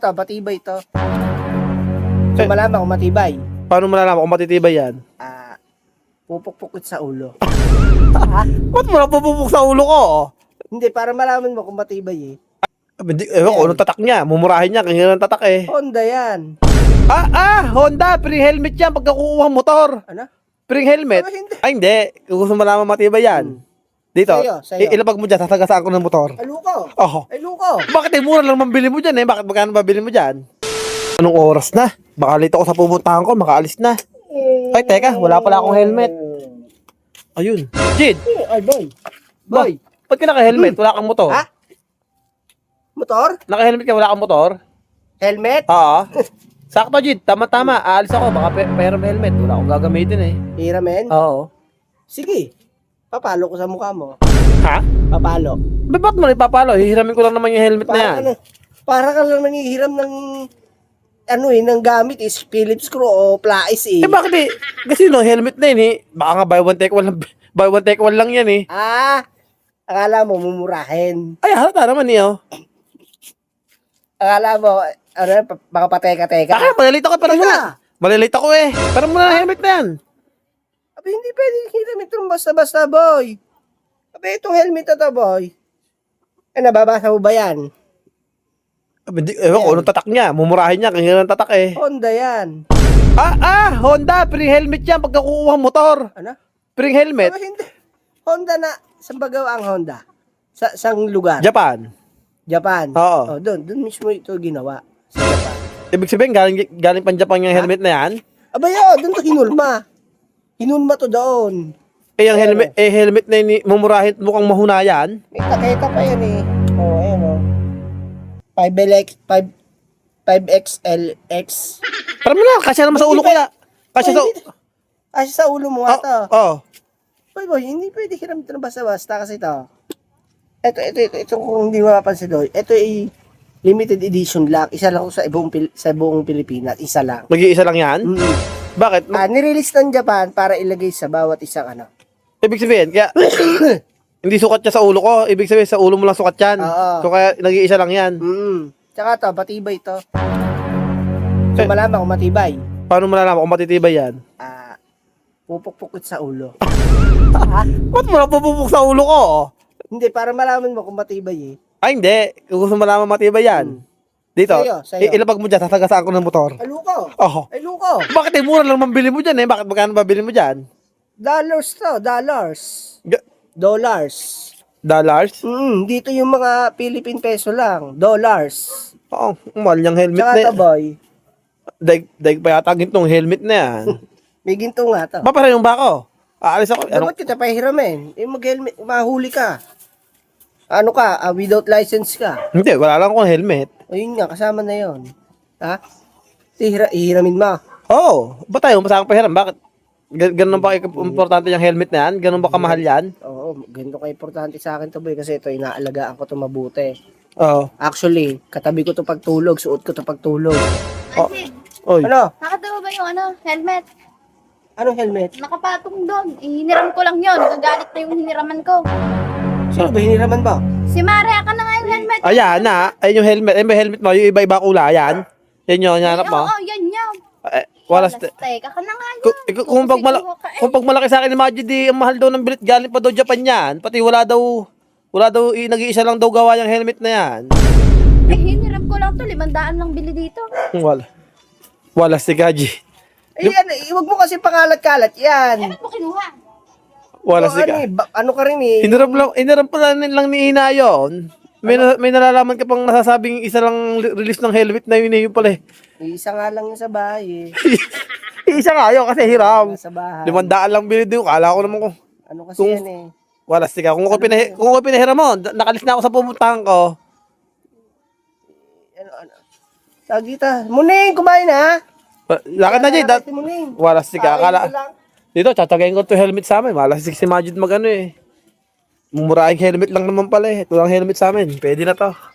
Matibay to. So, malaman kung matibay. Paano malalaman kung matitibay yan? Pupukpukit sa ulo. Ba't mo napupupok sa ulo ko? Hindi, para malaman mo kung matibay eh. Hindi, ewan ko, anong tatak niya? Mumurahin niya, kanya ng tatak eh. Honda yan. Honda, pre-helmet yan pagkakukuha ng motor. Ano? Pre-helmet? Pero hindi. Ay, hindi. Kung gusto mo malaman matibay yan. Dito, Sa'yo. ilabag mo dyan, tatagasaan ko ng motor. Ay, luko. Oh. Ay, luko. Bakit mura lang mambili mo dyan eh? Bakit magkano mabili mo dyan? Anong oras na? Baka late ako sa pupuntahan ko, makaalis na. Ay, teka, wala pala akong helmet. Ayun. Jid! Ay, boy. Boy. Ba't ka naka-helmet? Wala kang motor. Ha? Motor? Naka-helmet ka, wala kang motor? Helmet? Oo. Sakto, Jid. Tama-tama. Aalis ako. Baka pahiram helmet. Wala akong gagamitin eh. Hiramen? Oo. Sige. Papalo ko sa mukha mo. Ha? Papalo. Ba't mo ipapalo? Hihiramin ko lang naman yung helmet na yan. Para ka lang nangihiram ng ng gamit is Phillips screw o plais eh. Bakit eh? Kasi helmet na yun eh. Baka nga buy one take one lang, buy one take one lang yan eh. Akala mo mumurahin. Ay, halata naman eh oh. Akala mo, baka pateka-teka. Malalate ako. Parang muna. Malalate ako eh. Parang muna helmet na yan. Abi, hindi pwedeng hiram itong basta-basta, boy. Abi, itong helmet na to, boy. Nababasa mo ba yan? Hindi, ewan ko, anong tatak niya? Mumurahin niya, kanya ng tatak eh. Honda yan. Honda, pre-helmet yan pagkakukuha ng motor. Ano? Pre-helmet? Abi, hindi. Honda na. Saan ba gawa ang Honda? Sang lugar? Japan. Japan. Oo. Doon mismo ito ginawa. Sa Japan. Ibig sabihin, galing pang Japan yung helmet na yan? Abay, doon to hinulma. Hinulma to doon. Yung helmet na yun, mumurahin mukhang mahuna yan. May taketa pa yan eh. Ayan 5XLX. Parang mo na, kasya naman sa ulo ko na. Kasi sa ulo mo nga to. Oo. Boy, hindi pwede hiram ito na basta-basta kasi ito. Ito kung hindi mapapansin doon. Ito ay limited edition lang. Isa lang sa buong Pilipinas. Isa lang. Mag-iisa lang yan? Bakit? Nirelease ng Japan para ilagay sa bawat isang Ibig sabihin, kaya hindi sukat niya sa ulo ko. Ibig sabihin, sa ulo mo lang sukat yan. Oo. So kaya nag-iisa lang yan. Tsaka to, matibay to. So, malaman kung matibay. Paano malalaman kung matitibay yan? Pupukpukit sa ulo. Ba't mo napupupok sa ulo ko? Hindi, para malaman mo kung matibay eh. Ay, hindi. Kung gusto mo malaman matibay yan. Dito, Sa'yo. ilabag mo dyan, tatagasaan ko ng motor. Ay, luko. Oh. Ay, luko. Bakit mura lang mambili mo dyan eh? Bakit magkano mabili mo dyan? Dollars to, dollars. Dollars? Dito yung mga Philippine peso lang. Dollars. Oo, mahal niyang helmet Tsaka na to, yan. boy. Daig pa yata gintong helmet na yan. May ginto nga to. Para yung bako. Aalis ako. Dapat kita pahiramin. Mag-helmet, mahuli ka. Ano ka, without license ka. Hindi, wala lang akong helmet. Ayun nga, kasama na yon. Ha? Ihiramin mo. Oo, ba tayo masakang pahiram? Bakit? Ganun ba importante yung helmet na yan? Ganun ba kamahal yan? Oo, ganito ka importante sa akin to, boy, kasi ito, inaalagaan ko to mabuti. Oo. Actually, katabi ko to pagtulog, suot ko to pagtulog. Oy. Ano? Nakatawa ba yung helmet? Anong helmet? Nakapatong doon. Hiniram ko lang yun. Nagagalit na yung hiniraman ko. Sino ba hiniraman ba? Si Mare, aka na nga yung helmet. Ayan na. Ayun yung helmet. Ayun ba yung helmet mo? Yung iba-iba kulay. Yan. Yan yung hanap mo. Oo, yan yan. Wala. Plastic. Aka na nga yun. Kung pag malaki sa akin ni Majid, di ang mahal daw ng bilit. Galing pa daw Japan yan. Pati wala daw, nag-iisa lang daw gawa yung helmet na yan. Hiniram ko lang to. 500 lang bili dito. Wala si Gaji. Huwag mo kasi pangalat-kalat yan. Bakit mo kinuha? Wala si Gaji. Ano ka rin eh. Hiniram pala lang ni Ina yun. May nalalaman ka pang nasasabing isa lang release ng helmet na yun pala eh. Isa nga lang yun sa bahay eh. Isa nga yun kasi hiram. Sa bahay. 500 lang binili doon. Kala ko naman ko. Ano kasi yan eh. Wala siya. Kung ako pinahiram mo, nakalis na ako sa pumuntahan ko. Sagita. Muning, kumain ha? Lakad na dyan. Muning. Wala siya. Akala. Dito, tatagayin ko to helmet sa amin. Wala si Majid magano eh. Mumuraing helmet lang naman pala eh. Ito lang helmet sa amin. Pwede na to.